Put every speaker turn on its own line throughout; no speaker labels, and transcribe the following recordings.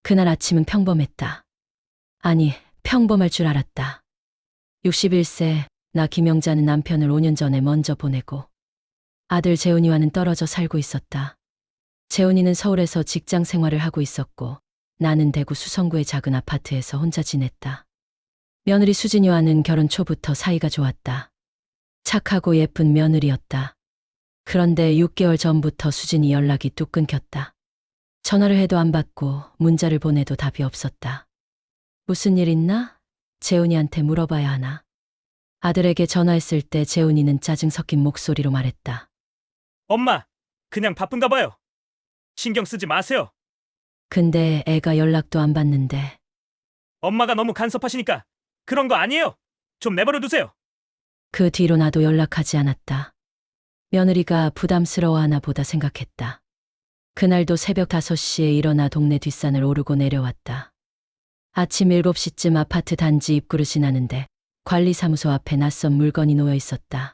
그날 아침은 평범했다. 아니, 평범할 줄 알았다. 61세, 나 김영자는 남편을 5년 전에 먼저 보내고 아들 재훈이와는 떨어져 살고 있었다. 재훈이는 서울에서 직장 생활을 하고 있었고 나는 대구 수성구의 작은 아파트에서 혼자 지냈다. 며느리 수진이와는 결혼 초부터 사이가 좋았다. 착하고 예쁜 며느리였다. 그런데 6개월 전부터 수진이 연락이 뚝 끊겼다. 전화를 해도 안 받고 문자를 보내도 답이 없었다. 무슨 일 있나? 재훈이한테 물어봐야 하나? 아들에게 전화했을 때 재훈이는 짜증 섞인 목소리로 말했다.
엄마, 그냥 바쁜가 봐요. 신경 쓰지 마세요.
근데 애가 연락도 안 받는데.
엄마가 너무 간섭하시니까 그런 거 아니에요. 좀 내버려 두세요.
그 뒤로 나도 연락하지 않았다. 며느리가 부담스러워하나 보다 생각했다. 그날도 새벽 5시에 일어나 동네 뒷산을 오르고 내려왔다. 아침 7시쯤 아파트 단지 입구를 지나는데 관리사무소 앞에 낯선 물건이 놓여 있었다.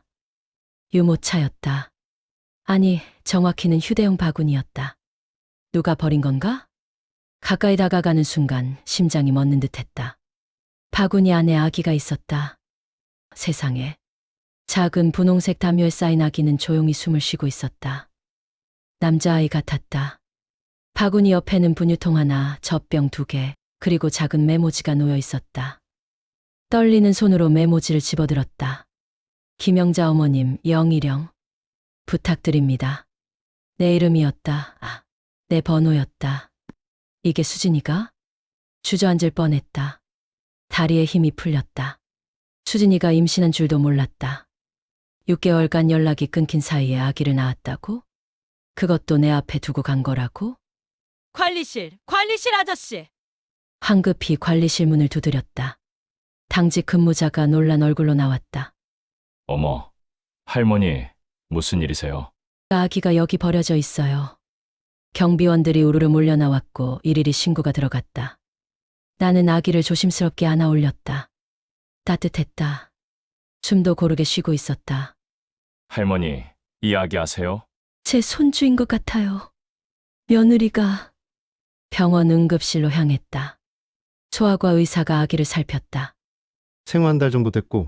유모차였다. 아니, 정확히는 휴대용 바구니였다. 누가 버린 건가? 가까이 다가가는 순간 심장이 멎는 듯했다. 바구니 안에 아기가 있었다. 세상에. 작은 분홍색 담요에 쌓인 아기는 조용히 숨을 쉬고 있었다. 남자아이 같았다. 바구니 옆에는 분유통 하나, 젖병 2개, 그리고 작은 메모지가 놓여 있었다. 떨리는 손으로 메모지를 집어들었다. 김영자 어머님, 영희령. 부탁드립니다. 내 이름이었다. 내 번호였다. 이게 수진이가? 주저앉을 뻔했다. 다리에 힘이 풀렸다. 수진이가 임신한 줄도 몰랐다. 6개월간 연락이 끊긴 사이에 아기를 낳았다고? 그것도 내 앞에 두고 간 거라고?
관리실 아저씨.
황급히 관리실 문을 두드렸다. 당직 근무자가 놀란 얼굴로 나왔다.
어머, 할머니, 무슨 일이세요?
아기가 여기 버려져 있어요. 경비원들이 우르르 몰려 나왔고 일일이 신고가 들어갔다. 나는 아기를 조심스럽게 안아 올렸다. 따뜻했다. 숨도 고르게 쉬고 있었다.
할머니, 이 아기 아세요?
제 손주인 것 같아요. 며느리가. 병원 응급실로 향했다. 소아과 의사가 아기를 살폈다.
생후 한 달 정도 됐고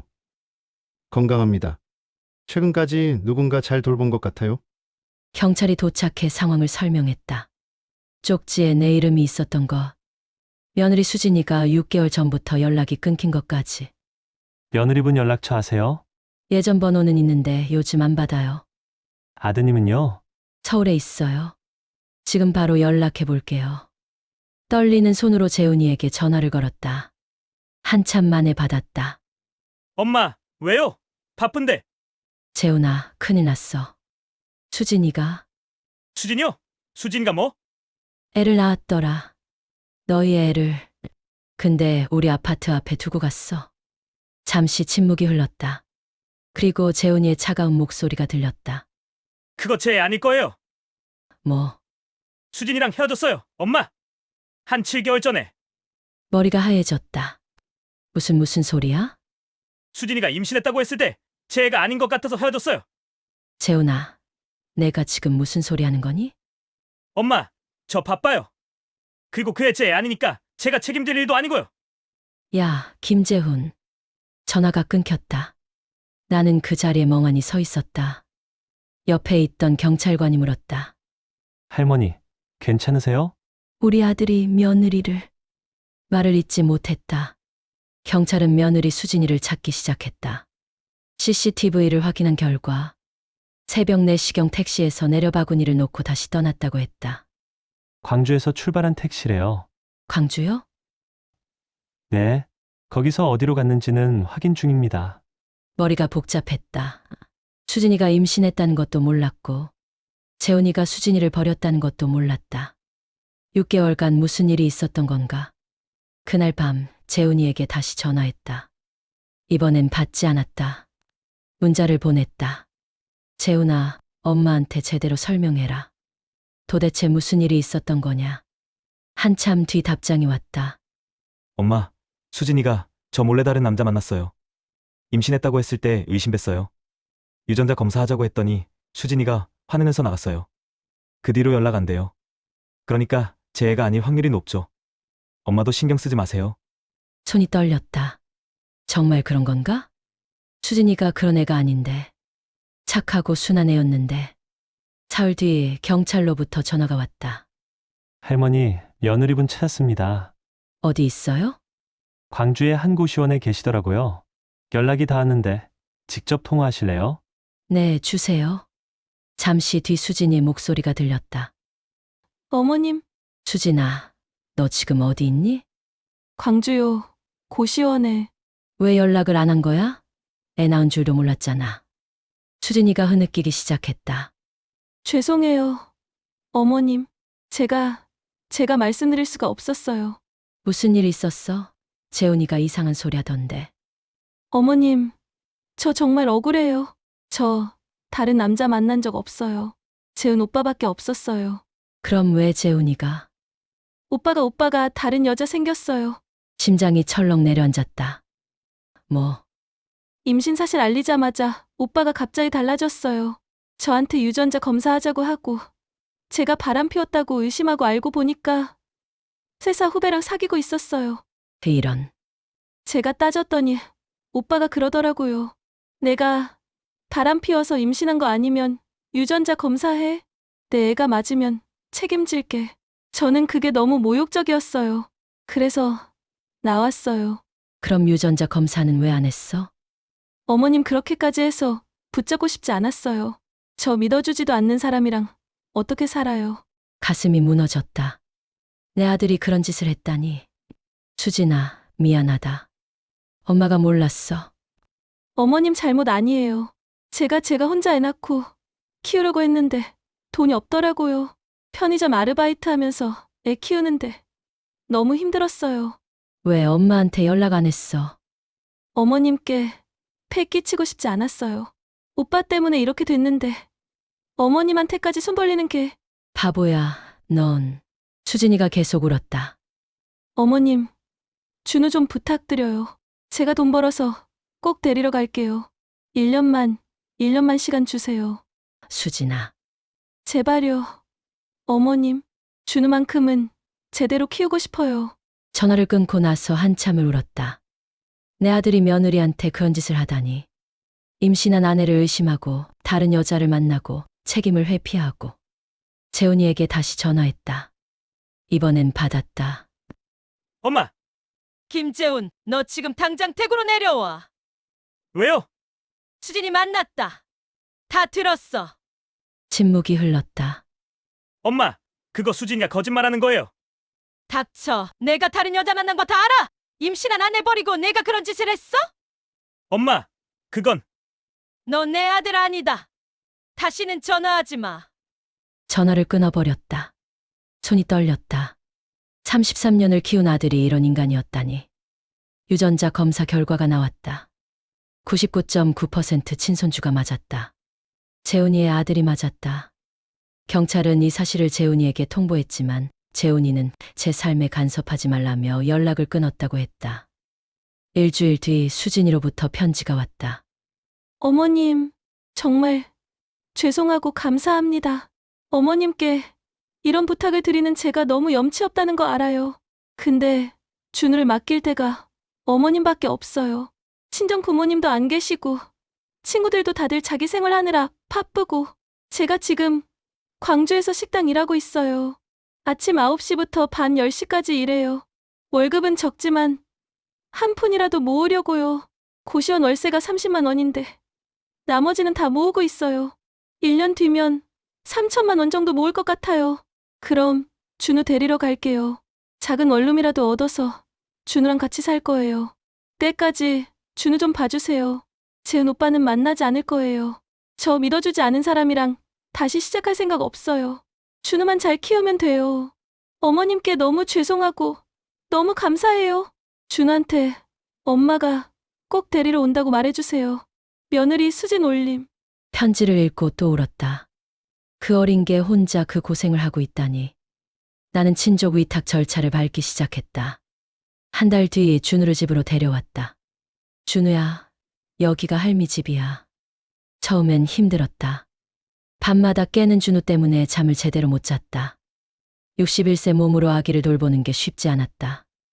건강합니다. 최근까지 누군가 잘 돌본 것 같아요.
경찰이 도착해 상황을 설명했다. 쪽지에 내 이름이 있었던 것. 며느리 수진이가 6개월 전부터 연락이 끊긴 것까지.
며느리분 연락처 아세요?
예전 번호는 있는데 요즘 안 받아요.
아드님은요?
서울에 있어요. 지금 바로 연락해 볼게요. 떨리는 손으로 재훈이에게 전화를 걸었다. 한참 만에 받았다.
엄마, 왜요? 바쁜데.
재훈아, 큰일 났어. 수진이가
수진이요? 수진이가 뭐?
애를 낳았더라. 너희 애를. 근데 우리 아파트 앞에 두고 갔어. 잠시 침묵이 흘렀다. 그리고 재훈이의 차가운 목소리가 들렸다.
그거 제 애 아닐 거예요.
뭐,
수진이랑 헤어졌어요, 엄마. 한 7개월 전에.
머리가 하얘졌다. 무슨 소리야?
수진이가 임신했다고 했을 때 제 애가 아닌 것 같아서 헤어졌어요.
재훈아, 내가 지금 무슨 소리 하는 거니?
엄마, 저 바빠요. 그리고 그 애 제 애 아니니까 제가 책임질 일도 아니고요.
야, 김재훈. 전화가 끊겼다. 나는 그 자리에 멍하니 서 있었다. 옆에 있던 경찰관이 물었다.
할머니, 괜찮으세요?
우리 아들이 며느리를. 말을 잇지 못했다. 경찰은 며느리 수진이를 찾기 시작했다. CCTV를 확인한 결과 새벽 4시경 택시에서 내려 바구니를 놓고 다시 떠났다고 했다.
광주에서 출발한 택시래요.
광주요?
네, 거기서 어디로 갔는지는 확인 중입니다.
머리가 복잡했다. 수진이가 임신했다는 것도 몰랐고 재훈이가 수진이를 버렸다는 것도 몰랐다. 6개월간 무슨 일이 있었던 건가? 그날 밤 재훈이에게 다시 전화했다. 이번엔 받지 않았다. 문자를 보냈다. 재훈아, 엄마한테 제대로 설명해라. 도대체 무슨 일이 있었던 거냐? 한참 뒤 답장이 왔다.
엄마, 수진이가 저 몰래 다른 남자 만났어요. 임신했다고 했을 때 의심했어요. 유전자 검사하자고 했더니 수진이가 화내면서 나갔어요. 그 뒤로 연락 안 돼요. 그러니까 제 애가 아닐 확률이 높죠. 엄마도 신경 쓰지 마세요.
손이 떨렸다. 정말 그런 건가? 수진이가 그런 애가 아닌데. 착하고 순한 애였는데. 사흘 뒤 경찰로부터 전화가 왔다.
할머니, 며느리분 찾았습니다.
어디 있어요?
광주의 한 고시원에 계시더라고요. 연락이 닿았는데 직접 통화하실래요?
네, 주세요. 잠시 뒤 수진이 목소리가 들렸다.
어머님,
수진아, 너 지금 어디 있니?
광주요. 고시원에.
왜 연락을 안 한 거야? 애 낳은 줄도 몰랐잖아. 수진이가 흐느끼기 시작했다.
죄송해요. 어머님, 제가 말씀드릴 수가 없었어요.
무슨 일 있었어? 재훈이가 이상한 소리 하던데.
어머님, 저 정말 억울해요. 저 다른 남자 만난 적 없어요. 재훈 오빠밖에 없었어요.
그럼 왜 재훈이가?
오빠가 다른 여자 생겼어요.
심장이 철렁 내려앉았다. 뭐,
임신 사실 알리자마자 오빠가 갑자기 달라졌어요. 저한테 유전자 검사하자고 하고 제가 바람 피웠다고 의심하고 알고 보니까 회사 후배랑 사귀고 있었어요.
이런.
제가 따졌더니 오빠가 그러더라고요. 내가 바람 피워서 임신한 거 아니면 유전자 검사해. 내 애가 맞으면 책임질게. 저는 그게 너무 모욕적이었어요. 그래서 나왔어요.
그럼 유전자 검사는 왜 안 했어?
어머님 그렇게까지 해서 붙잡고 싶지 않았어요. 저 믿어주지도 않는 사람이랑 어떻게 살아요.
가슴이 무너졌다. 내 아들이 그런 짓을 했다니. 수진아, 미안하다. 엄마가 몰랐어.
어머님 잘못 아니에요. 제가 혼자 애 낳고 키우려고 했는데 돈이 없더라고요. 편의점 아르바이트 하면서 애 키우는데 너무 힘들었어요.
왜 엄마한테 연락 안 했어?
어머님께 폐 끼치고 싶지 않았어요. 오빠 때문에 이렇게 됐는데 어머님한테까지 손 벌리는 게.
바보야, 넌. 수진이가 계속 울었다.
어머님, 준우 좀 부탁드려요. 제가 돈 벌어서 꼭 데리러 갈게요. 1년만 시간 주세요.
수진아,
제발요. 어머님, 준우만큼은 제대로 키우고 싶어요.
전화를 끊고 나서 한참을 울었다. 내 아들이 며느리한테 그런 짓을 하다니. 임신한 아내를 의심하고 다른 여자를 만나고 책임을 회피하고. 재훈이에게 다시 전화했다. 이번엔 받았다.
엄마,
김재훈, 너 지금 당장 댁으로 내려와.
왜요?
수진이 만났다. 다 들었어.
침묵이 흘렀다.
엄마, 그거 수진이가 거짓말하는 거예요.
닥쳐. 내가 다른 여자 만난 거 다 알아. 임신한 아내 버리고 내가 그런 짓을 했어?
엄마, 그건
너 내 아들 아니다. 다시는 전화하지 마.
전화를 끊어버렸다. 손이 떨렸다. 33년을 키운 아들이 이런 인간이었다니. 유전자 검사 결과가 나왔다. 99.9% 친손주가 맞았다. 재훈이의 아들이 맞았다. 경찰은 이 사실을 재훈이에게 통보했지만 재훈이는 제 삶에 간섭하지 말라며 연락을 끊었다고 했다. 일주일 뒤 수진이로부터 편지가 왔다.
어머님, 정말 죄송하고 감사합니다. 어머님께 이런 부탁을 드리는 제가 너무 염치 없다는 거 알아요. 근데 준우를 맡길 데가 어머님밖에 없어요. 친정 부모님도 안 계시고 친구들도 다들 자기 생활하느라 바쁘고 제가 지금 광주에서 식당 일하고 있어요. 아침 9시부터 밤 10시까지 일해요. 월급은 적지만 한 푼이라도 모으려고요. 고시원 월세가 30만 원인데 나머지는 다 모으고 있어요. 1년 뒤면 3천만 원 정도 모을 것 같아요. 그럼 준우 데리러 갈게요. 작은 원룸이라도 얻어서 준우랑 같이 살 거예요. 때까지 준우 좀 봐주세요. 재은 오빠는 만나지 않을 거예요. 저 믿어주지 않은 사람이랑 다시 시작할 생각 없어요. 준우만 잘 키우면 돼요. 어머님께 너무 죄송하고 너무 감사해요. 준우한테 엄마가 꼭 데리러 온다고 말해주세요. 며느리 수진 올림.
편지를 읽고 또 울었다. 그 어린 게 혼자 그 고생을 하고 있다니. 나는 친족 위탁 절차를 밟기 시작했다. 한 달 뒤 준우를 집으로 데려왔다. 준우야, 여기가 할미 집이야. 처음엔 힘들었다. 밤마다 깨는 준우 때문에 잠을 제대로 못 잤다. 61세 몸으로 아기를 돌보는 게 쉽지 않았다.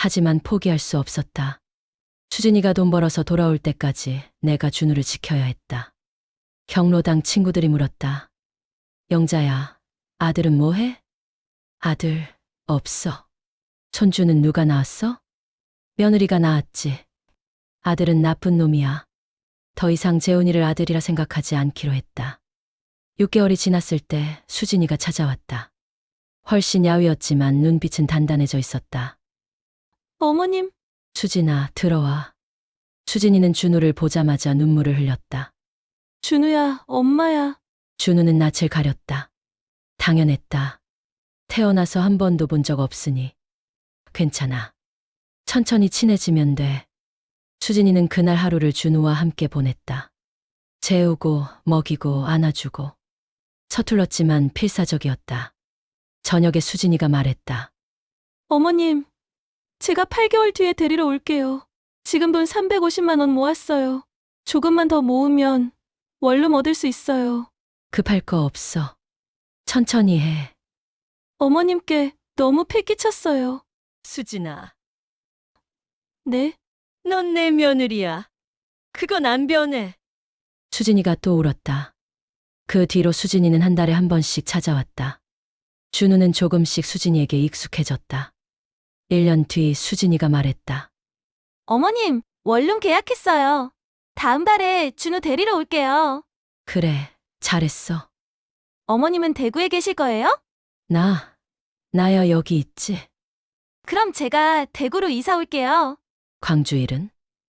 하지만 포기할 수 없었다. 수진이가 돈 벌어서 돌아올 때까지 내가 준우를 지켜야 했다. 경로당 친구들이 물었다. 영자야, 아들은 뭐해? 아들, 없어. 손주는 누가 낳았어? 며느리가 낳았지. 아들은 나쁜 놈이야. 더 이상 재훈이를 아들이라 생각하지 않기로 했다. 6개월이 지났을 때 수진이가 찾아왔다. 훨씬 야위었지만 눈빛은 단단해져 있었다.
어머님,
수진아, 들어와. 수진이는 준우를 보자마자 눈물을 흘렸다.
준우야, 엄마야.
준우는 낯을 가렸다. 당연했다. 태어나서 한 번도 본 적 없으니. 괜찮아. 천천히 친해지면 돼. 수진이는 그날 하루를 준우와 함께 보냈다. 재우고, 먹이고, 안아주고. 서툴렀지만 필사적이었다. 저녁에 수진이가 말했다.
어머님, 제가 8개월 뒤에 데리러 올게요. 지금 돈 350만 원 모았어요. 조금만 더 모으면 원룸 얻을 수 있어요.
급할 거 없어. 천천히 해.
어머님께 너무 패 끼쳤어요.
수진아,
네?
넌 내 며느리야. 그건 안 변해.
수진이가 또 울었다. 그 뒤로 수진이는 한 달에 한 번씩 찾아왔다. 준우는 조금씩 수진이에게 익숙해졌다. 1년 뒤 수진이가 말했다.
어머님, 원룸 계약했어요. 다음 달에 준우 데리러 올게요.
그래, 잘했어.
어머님은 대구에 계실 거예요?
나야 여기 있지.
그럼 제가 대구로 이사 올게요.
광주 일은?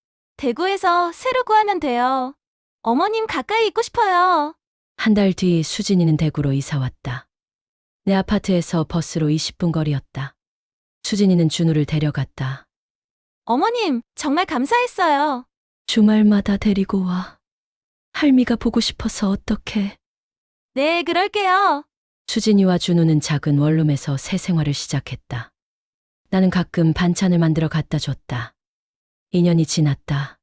대구에서 새로 구하면 돼요. 어머님 가까이 있고 싶어요.
한 달 뒤 수진이는 대구로 이사 왔다. 내 아파트에서 버스로 20분 거리였다. 수진이는 준우를 데려갔다.
어머님, 정말 감사했어요.
주말마다 데리고 와. 할미가 보고 싶어서 어떡해.
네, 그럴게요.
수진이와 준우는 작은 원룸에서 새 생활을 시작했다. 나는 가끔 반찬을 만들어 갖다 줬다. 2년이 지났다.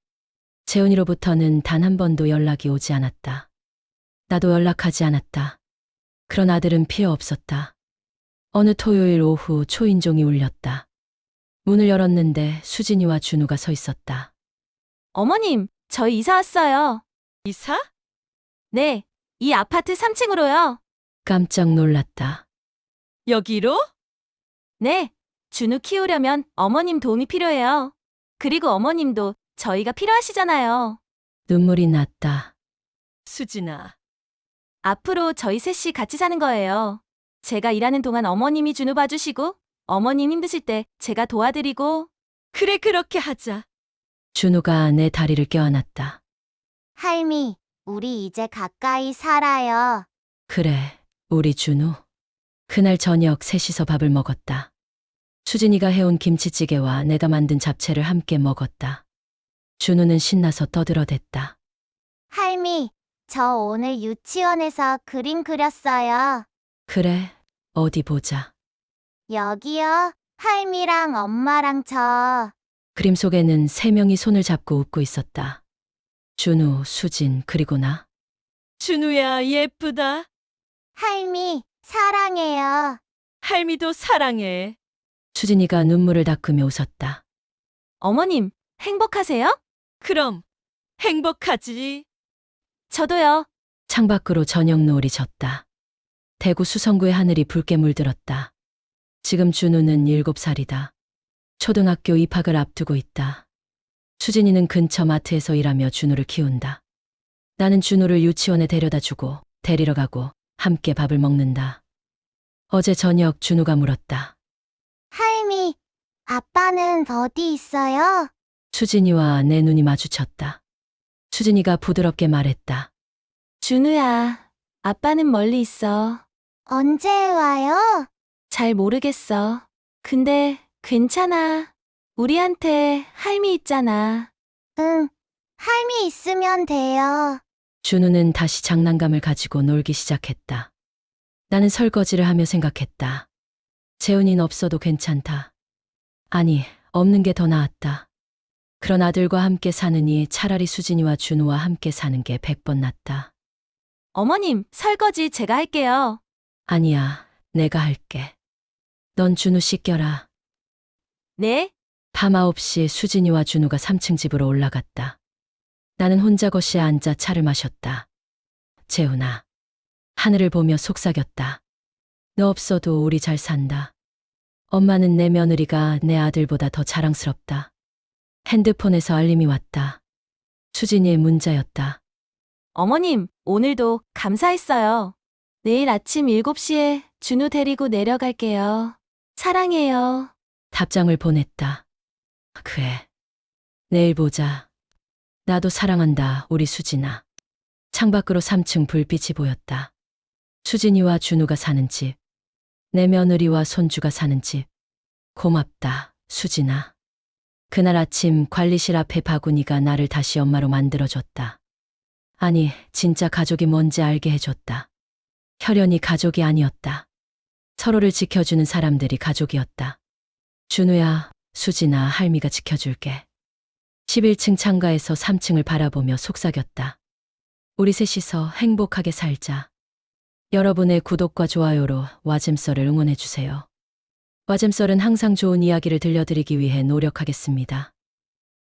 재훈이로부터는 단 한 번도 연락이 오지 않았다. 나도 연락하지 않았다. 그런 아들은 필요 없었다. 어느 토요일 오후 초인종이 울렸다. 문을 열었는데 수진이와 준우가 서 있었다.
어머님, 저희 이사 왔어요.
이사?
네, 이 아파트 3층으로요.
깜짝 놀랐다.
여기로?
네, 준우 키우려면 어머님 도움이 필요해요. 그리고 어머님도 저희가 필요하시잖아요.
눈물이 났다.
수진아,
앞으로 저희 셋이 같이 사는 거예요. 제가 일하는 동안 어머님이 준우 봐주시고, 어머님 힘드실 때 제가 도와드리고.
그래, 그렇게 하자.
준우가 내 다리를 껴안았다.
할미, 우리 이제 가까이 살아요.
그래, 우리 준우. 그날 저녁 셋이서 밥을 먹었다. 수진이가 해온 김치찌개와 내가 만든 잡채를 함께 먹었다. 준우는 신나서 떠들어댔다.
할미, 저 오늘 유치원에서 그림 그렸어요.
그래, 어디 보자.
여기요. 할미랑 엄마랑 저.
그림 속에는 3명이 손을 잡고 웃고 있었다. 준우, 수진, 그리고 나.
준우야, 예쁘다.
할미, 사랑해요.
할미도 사랑해.
수진이가 눈물을 닦으며 웃었다.
어머님, 행복하세요?
그럼 행복하지.
저도요.
창밖으로 저녁 노을이 졌다. 대구 수성구의 하늘이 붉게 물들었다. 지금 준우는 7살이다. 초등학교 입학을 앞두고 있다. 수진이는 근처 마트에서 일하며 준우를 키운다. 나는 준우를 유치원에 데려다 주고 데리러 가고 함께 밥을 먹는다. 어제 저녁 준우가 물었다.
할미, 아빠는 어디 있어요?
수진이와 내 눈이 마주쳤다. 수진이가 부드럽게 말했다.
준우야, 아빠는 멀리 있어.
언제 와요?
잘 모르겠어. 근데 괜찮아. 우리한테 할미 있잖아.
응, 할미 있으면 돼요.
준우는 다시 장난감을 가지고 놀기 시작했다. 나는 설거지를 하며 생각했다. 재훈이는 없어도 괜찮다. 아니, 없는 게 더 나았다. 그런 아들과 함께 사느니 차라리 수진이와 준우와 함께 사는 게 100번 낫다.
어머님, 설거지 제가 할게요.
아니야, 내가 할게. 넌 준우 씻겨라.
네?
밤 9시 수진이와 준우가 3층 집으로 올라갔다. 나는 혼자 거실에 앉아 차를 마셨다. 재훈아. 하늘을 보며 속삭였다. 너 없어도 우리 잘 산다. 엄마는 내 며느리가 내 아들보다 더 자랑스럽다. 핸드폰에서 알림이 왔다. 수진이의 문자였다.
어머님, 오늘도 감사했어요. 내일 아침 7시에 준우 데리고 내려갈게요. 사랑해요.
답장을 보냈다. 그래. 내일 보자. 나도 사랑한다, 우리 수진아. 창밖으로 3층 불빛이 보였다. 수진이와 준우가 사는 집. 내 며느리와 손주가 사는 집. 고맙다, 수진아. 그날 아침 관리실 앞에 바구니가 나를 다시 엄마로 만들어줬다. 아니, 진짜 가족이 뭔지 알게 해줬다. 혈연이 가족이 아니었다. 서로를 지켜주는 사람들이 가족이었다. 준우야, 수진아, 할미가 지켜줄게. 11층 창가에서 3층을 바라보며 속삭였다. 우리 셋이서 행복하게 살자. 여러분의 구독과 좋아요로 와잼썰을 응원해주세요. 와잼썰은 항상 좋은 이야기를 들려드리기 위해 노력하겠습니다.